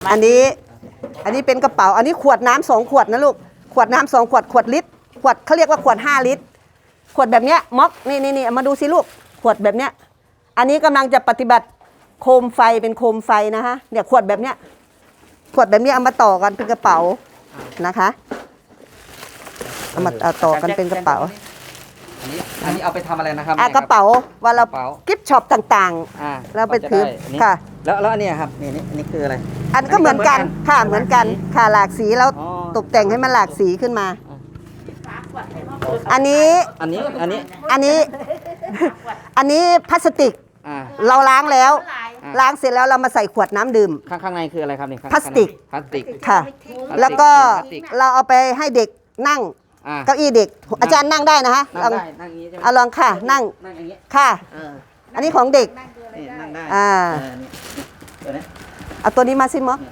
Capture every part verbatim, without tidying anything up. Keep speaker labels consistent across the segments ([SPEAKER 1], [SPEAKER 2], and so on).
[SPEAKER 1] อันนี้อันนี้เป็นกระเป๋าอันนี้ขวดน้ำสองขวดนะลูกขวดน้ำสองขวดขวดลิตรขวดเขาเรียกว่าขวดห้าลิตรขวดแบบเนี้ยม็อกนี่นี่นี่มาดูสิลูกขวดแบบเนี้ยอันนี้กำลังจะปฏิบัติโคมไฟเป็นโคมไฟนะฮะเนี่ยขวดแบบเนี้ยขวดแบบนี้เอามาต่อกันเป็นกระเป๋านะคะเอามาเอาต่อกันเป็นกระเป๋า
[SPEAKER 2] อันนี้อันนี้เอาไปทำอะไรนะครับ
[SPEAKER 1] อ่ะกระเป๋าว่าเรากิฟต์ช็อปต่างๆเราไปถือค่ะ
[SPEAKER 2] แล้วแล้วอันนี้ครับนี่นี่นี่คืออะไร
[SPEAKER 1] อันก็เหมือนกันค่ะเหมือนกันค่ะหลากสีแล้วตกแต่งให้มันหลากสีขึ้นมาอันนี้
[SPEAKER 2] อันนี้อันนี้
[SPEAKER 1] อันนี้อันนี้พลาสติกเราล้างแล้วล้างเสร็จแล้วเรามาใส่ขวดน้ำดื่ม
[SPEAKER 2] ข้างข้างในคืออะไรครับนี่
[SPEAKER 1] พลาสติก
[SPEAKER 2] พลาสติก
[SPEAKER 1] ค่ะแล้วก็เราเอาไปให้เด็กนั่งเก้าอี้เด็กอาจารย์นั่งได้นะฮะ
[SPEAKER 2] นั่งได้นั่งอย่างนี้ใช่ไหม
[SPEAKER 1] เอาลองค่ะนั่ง
[SPEAKER 2] นั่งอย่างนี้
[SPEAKER 1] ค่ะอันนี้ของเด็ก
[SPEAKER 2] นี่นั่งได้
[SPEAKER 1] อ่า
[SPEAKER 2] ตัวนี้
[SPEAKER 1] เอาตัวนี้มาสิม็อก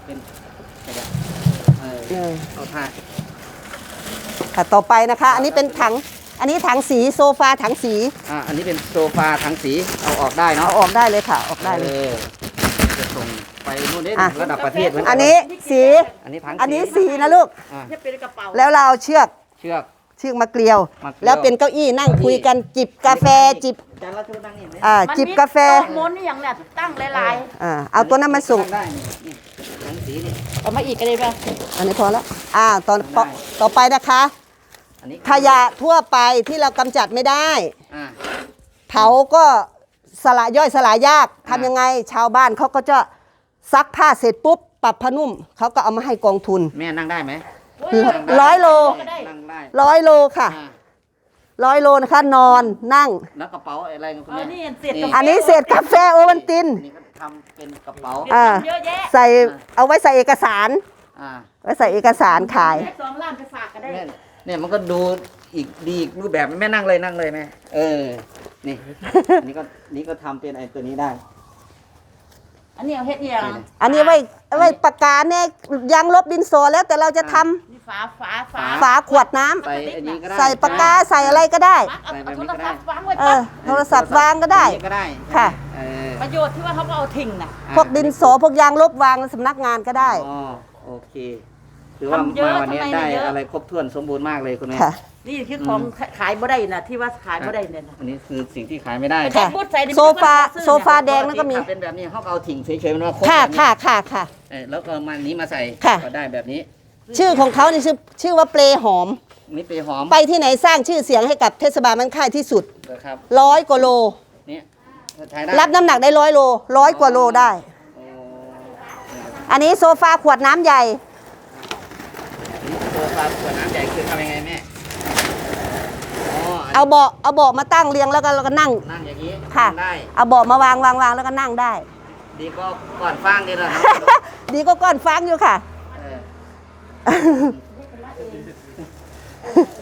[SPEAKER 2] เออเอาผ้า
[SPEAKER 1] ค่ะต่อไปนะคะอันนี้เป็นถังอันนี้ถังสีโซฟาถังสี
[SPEAKER 2] อ่าอันนี้เป็นโซฟาถังสีเอาออกได้เนาะ
[SPEAKER 1] เอาออกได้เลยค่ะออกได้เลย
[SPEAKER 2] จะส่งไปโน่นนี่ระดับประเทศเหมือนกัน
[SPEAKER 1] อันนี้สี
[SPEAKER 2] อันนี้ถัง
[SPEAKER 1] อันนี้สีนะลูกแล้วเราเอาเชือก
[SPEAKER 2] เชือก
[SPEAKER 1] เชือกมาเกลียวแล้วเป็นเก้าอี้นั่งคุยกันจิบกาแฟจิบอ่าจิบกาแฟ
[SPEAKER 3] ม้วนนี่อย่างเนี้ยตั้งหลาย
[SPEAKER 1] ๆอ่าเอาตัวนั้นมาส่ง
[SPEAKER 2] ได้นี่ถังสีนี่
[SPEAKER 3] เอามาอีกก็ได้ป่ะ
[SPEAKER 1] อันนี้พอแล้วอ่าตอนต่อไปนะคะขยะทั่วไปที่เรากำจัดไม่ได้เผาก็สละย่อยสลายยากทำยังไงชาวบ้านเขาก็จะซักผ้าเสร็จปุ๊บปรับผ้านุ่มเขาก็เอามาให้กองทุน
[SPEAKER 2] แม่นั่งได้ไหม
[SPEAKER 1] ร้อยโลร้อยโลค่ะร้อยโลนะคะนอนนั่ง
[SPEAKER 2] แล้วกระเป๋าอะไรคุณแม่
[SPEAKER 1] อันนี้เศษกาแฟโอวัลติน
[SPEAKER 2] นี่ก็ทำเป็นกระเป๋า
[SPEAKER 1] ใส่เอาไว้ใส่เอกสารไว้ใส่เอกสารขาย
[SPEAKER 3] สองล้านไปฝากก็ได้
[SPEAKER 2] เนี่ยมันก็ดูอีกดีอีกรูปแบบแม่นั่งเลยนั่งเลยแม่เออนี่นี่ก็นี่ก็ทำเป็นไอ้ตัวนี้ได้
[SPEAKER 3] อันนี้เอาเฮ็ดเนี่ย
[SPEAKER 1] อันนี้ไว้ไว้ปากกาเนี่ยยางลบดินสอแล้วแต่เราจะท
[SPEAKER 3] ำฝาฝาฝา
[SPEAKER 1] ฝาขวดน้ำ
[SPEAKER 2] ใส่อันนี้ก็ได้
[SPEAKER 1] ใส่ปากกาใส่อะไรก็ได้
[SPEAKER 3] ใส่แบบนี้ก็ได้
[SPEAKER 1] เออโทรศัพท์วางก็ได้ค่ะ
[SPEAKER 3] ประโยชน์ที่ว่าเขาเอาทิ้งน่ะ
[SPEAKER 1] พวกดินสอพวกยางลบวางในสำนักงานก็ได้
[SPEAKER 2] อ๋อโอเคถือว่ามาวันนี้ได้อะไรครบถ้วนสมบูรณ์มากเลยคุณแม่
[SPEAKER 3] นี่คือของขายบ่ได้น่ะที่ว่าขายบ่ได้เนี่ย
[SPEAKER 2] อันนี้คือสิ่งที่ขายไม่ได้
[SPEAKER 1] ค่ะโซฟาโซฟาแดงนั่นก็มี
[SPEAKER 2] เป็นแบบนี้เขาเอาถิ่งเฉยๆมันว่า
[SPEAKER 1] ค่ะค่ะค่ะค่ะ
[SPEAKER 2] แล้วก็มันนี้มาใส่ก็ได้แบบนี้
[SPEAKER 1] ชื่อของเขานี่ชื่อชื่อว่าเปลหอม
[SPEAKER 2] นี่เปลหอม
[SPEAKER 1] ไปที่ไหนสร้างชื่อเสียงให้กับเทศบาลมันค่ายที่สุด
[SPEAKER 2] ครับ
[SPEAKER 1] ร้อยกว่าโล
[SPEAKER 2] นี่
[SPEAKER 1] รับน้ำหนักได้ร้อยโลร้อยกว่าโลได้อันนี้โซฟาขวดน้ำใหญ่
[SPEAKER 2] โซฟาขวดน้ำใหญ่คือทำยังไงแม่
[SPEAKER 1] เอาเบาะเอาเบาะมาตั้งเรียงแล้วก็เราก็นั่ง
[SPEAKER 2] นั่งอย่างนี้
[SPEAKER 1] ค่ะเอาเบาะมาวางวางวางแล้วก็นั่งได้
[SPEAKER 2] ดีก็ก้อนฟางนี่แหละ
[SPEAKER 1] ดีก็ก้อนฟางอยู่ค่ะ